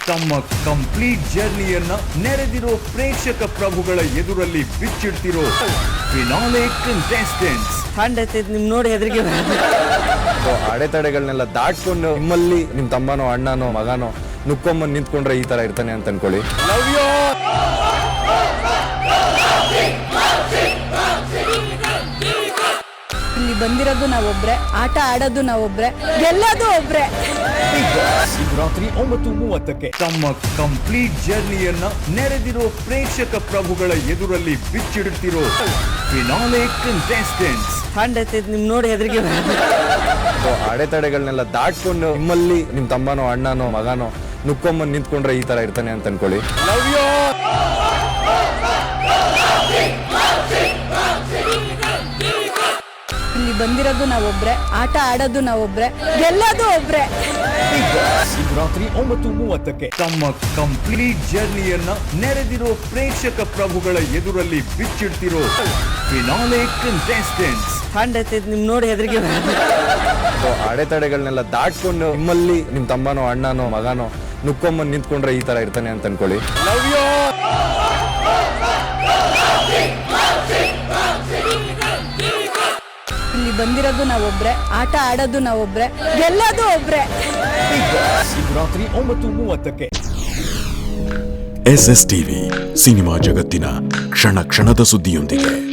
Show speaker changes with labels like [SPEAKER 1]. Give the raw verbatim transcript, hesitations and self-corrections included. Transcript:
[SPEAKER 1] ತಮ್ಮ ಕಂಪ್ಲೀಟ್ ಜರ್ನಿಯನ್ನ ನೆರೆದಿರೋ ಪ್ರೇಕ್ಷಕ ಪ್ರಭುಗಳ ಎದುರಲ್ಲಿ ಬಿಚ್ಚಿಡ್ತಿರೋ ಫಿನಾಲೆ ಕಂಟೆಸ್ಟೆಂಟ್ಸ್
[SPEAKER 2] ನಿಮ್ ನೋಡಿ ಹೆದರಿಗೆ
[SPEAKER 3] ಅಡೆತಡೆಗಳನ್ನೆಲ್ಲ ದಾಟ್ಕೊಂಡು ನಿಮ್ಮಲ್ಲಿ ನಿಮ್ ತಮ್ಮನೋ ಅಣ್ಣನೋ ಮಗನೋ ನುಕ್ಕೊಂಬಂದ್ ನಿಂತ್ಕೊಂಡ್ರೆ ಈ ತರ ಇರ್ತಾನೆ ಅಂತ ಅನ್ಕೊಳ್ಳಿ.
[SPEAKER 1] Love you.
[SPEAKER 4] ಇಲ್ಲಿ ಬಂದಿರೋದು ನಾವೊಬ್ರೆ, ಆಟ ಆಡೋದು ನಾವೊಬ್ರೆ, ಗೆಲ್ಲೋದು ಒಬ್ರೆ.
[SPEAKER 1] ರಾತ್ರಿ ಒಂಬತ್ತು ಮೂವತ್ತಕ್ಕೆ ತಮ್ಮ ಕಂಪ್ಲೀಟ್ ಜರ್ನಿಯನ್ನ ನೆರೆದಿರೋ ಪ್ರೇಕ್ಷಕ ಪ್ರಭುಗಳ ಎದುರಲ್ಲಿ ಬಿಚ್ಚಿಡುತ್ತಿರೋ ಫಿನಾಲೆ ಕಂಟೆಸ್ಟೆಂಟ್ಸ್
[SPEAKER 2] ನಿಮ್ ನೋಡಿ ಹೆದರಿಗೆ
[SPEAKER 3] ಅಡೆತಡೆಗಳನ್ನೆಲ್ಲ ದಾಟ್ಕೊಂಡು ನಿಮ್ಮಲ್ಲಿ ನಿಮ್ ತಮ್ಮನೋ ಅಣ್ಣನೋ ಮಗನೋ ನುಕ್ಕೊಂಬಂದ್ ನಿಂತ್ಕೊಂಡ್ರೆ ಈ ತರ ಇರ್ತಾನೆ ಅಂತ ಅನ್ಕೊಳ್ಳಿ.
[SPEAKER 1] Love you.
[SPEAKER 4] ಇಲ್ಲಿ ಬಂದಿರೋದು ನಾವೊಬ್ರೆ, ಆಟ ಆಡೋದು ನಾವೊಬ್ರೆ, ಗೆಲ್ಲೋದು ಒಬ್ರೆ.
[SPEAKER 1] ರಾತ್ರಿ ಒಂಬತ್ತು ಮೂವತ್ತಕ್ಕೆ ತಮ್ಮ ಕಂಪ್ಲೀಟ್ ಜರ್ನಿಯನ್ನ ನೆರೆದಿರೋ ಪ್ರೇಕ್ಷಕ ಪ್ರಭುಗಳ ಎದುರಲ್ಲಿ ಬಿಚ್ಚಿಡ್ತಿರೋ ಫಿನಾಲೆ ಕಂಟೆಸ್ಟೆಂಟ್ಸ್
[SPEAKER 2] ನಿಮ್ ನೋಡಿ ಹೆದರಿಗೆ
[SPEAKER 3] ಅಡೆತಡೆಗಳನ್ನೆಲ್ಲ ದಾಟ್ಕೊಂಡು ನಿಮ್ಮಲ್ಲಿ ನಿಮ್ ತಮ್ಮನೋ ಅಣ್ಣನೋ ಮಗನೋ ನುಕ್ಕೊಂಬಂದ್ ನಿಂತ್ಕೊಂಡ್ರೆ ಈ ತರ ಇರ್ತಾನೆ ಅಂತ ಅನ್ಕೊಳ್ಳಿ.
[SPEAKER 1] Love you.
[SPEAKER 4] ಇಲ್ಲಿ ಬಂದಿರೋದು ನಾವೊಬ್ರೆ, ಆಟ ಆಡೋದು ನಾವೊಬ್ರೆ, ಗೆಲ್ಲೋದು ಒಬ್ರೆ.
[SPEAKER 1] ರಾತ್ರಿ ಒಂಬತ್ತು ಮೂವತ್ತಕ್ಕೆ
[SPEAKER 5] ಎಸ್ ಎಸ್ ಟಿವಿ ಸಿನಿಮಾ ಜಗತ್ತಿನ ಕ್ಷಣ ಕ್ಷಣದ ಸುದ್ದಿಯೊಂದಿಗೆ.